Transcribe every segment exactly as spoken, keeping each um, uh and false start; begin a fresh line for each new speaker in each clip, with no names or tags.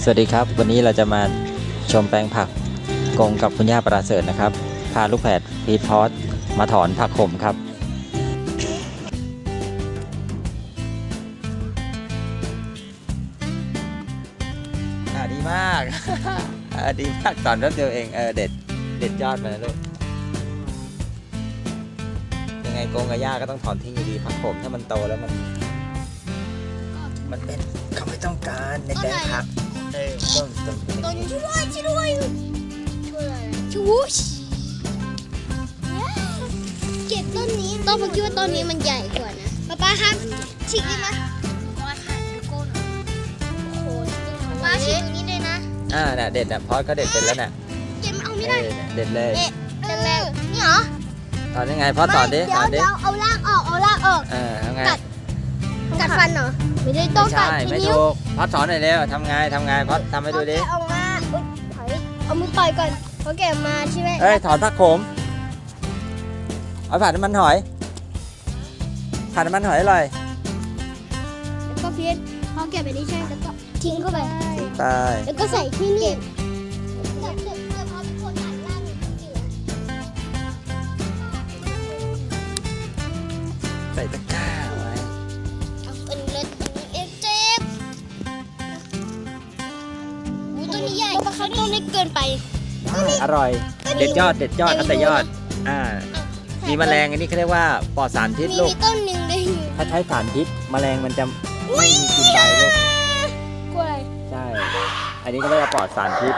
วัสดีครับวันนี้เราจะมาชมแปลงผักกงกับคุณย่าประเสริฐนะครับพาลูกแฝดพีทพอสมาถอนผักขมครับอ่าดีมาก อ่าดีมากตอนแป๊บเดียวเองเออเด็ดเด็ดยอดมาแล้วลูกยังไงกงกับย่าก็ต้องถอนทิ้งอยู่ดีผักขมถ้ามันโตแล้วมันมันเป็นเขาไม่ต้องการในแปลงผักเออต้นต้น
ต้นช่วยช่วยด้วยช่วยอะไรชูชเก็บต้นนี้ต้นผมคิดว่าต้นนี้มันใหญ่กว่านะป๊าป๊าครับฉีกได้ไหมป๊าถ่ายดูก้นโอ้โหป๊าฉีกตรงนี้ด้วยนะ
อ่าน่ะเด็ดน่ะพอสก็เด็ดเป็นแล้วน่ะ
เก็บเอาไม่ได้
เด็ดเลย
เด็ดแรกนี่เหรอ
ถอนยังไงพอสสอนดิสอนดิ
เดี๋ยวเอารากออกเอารากออก
เออทำไง
กัดฟันเหรอไม่ได้ต้องกัด
ใช่
ที่
ไม่
นิ้ว
ถูกพอสสอนหน่อยเร็วทำไงทำไงพอสทำให้ดูดิ
เอามาอุ๊ยถอยเอามือต่อยก่อนเพราะแกมาใช่ไหม
เอ้ยถอนผักขมเอาผัดน้ำมันหอยผัดน้ำมันหอยอร่อย
แล้วก็เพี้ยนพอแกะไปนี่ใช่แล้วก็ทิ้งเข้าไป
ไป
แล้วก็ใส่ที่นี่เดี๋ยวเดี๋ยวเดี๋ยวพอเป็นคนหันล่างเหลือ
ใส่ตะกร้าไว้
เอาอันนี้เลยอันนี้เอ็กเจ็บอู้ตัวนี้ใหญ่ปะครับต้องเล็กเกินไป
อร่อยเด็ดยอดเด็ดยอดเอาแต่ยอดอ่ามีแมลงอันนี้เขาเรียกว่าปลอดสารพิษ
มี
ลูก
มีต้นหนึ่งเลย
ถ้าใช้สารพิษแมลงมันจะไม่มีกินใบลูก
กล้วย
ใช่ อันนี้ก็เรียกว่าปลอดสารพิษ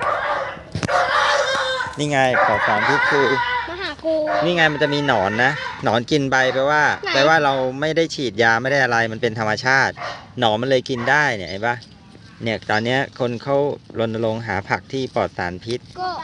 นี่ไงปลอดสารพิษคือ
มาหากู
นี่ไงมันจะมีหนอนนะ หนอนกินใบแปลว่า
ไหน
แปลว่าเราไม่ได้ฉีดยาไม่ได้อะไร มันเป็นธรรมชาติ หนอนมันเลยกินได้เนี่ยเห็นปะเนี่ยตอนเนี้ยคนเขารณรงค์หาผักที่ปลอดสารพิษ
ก็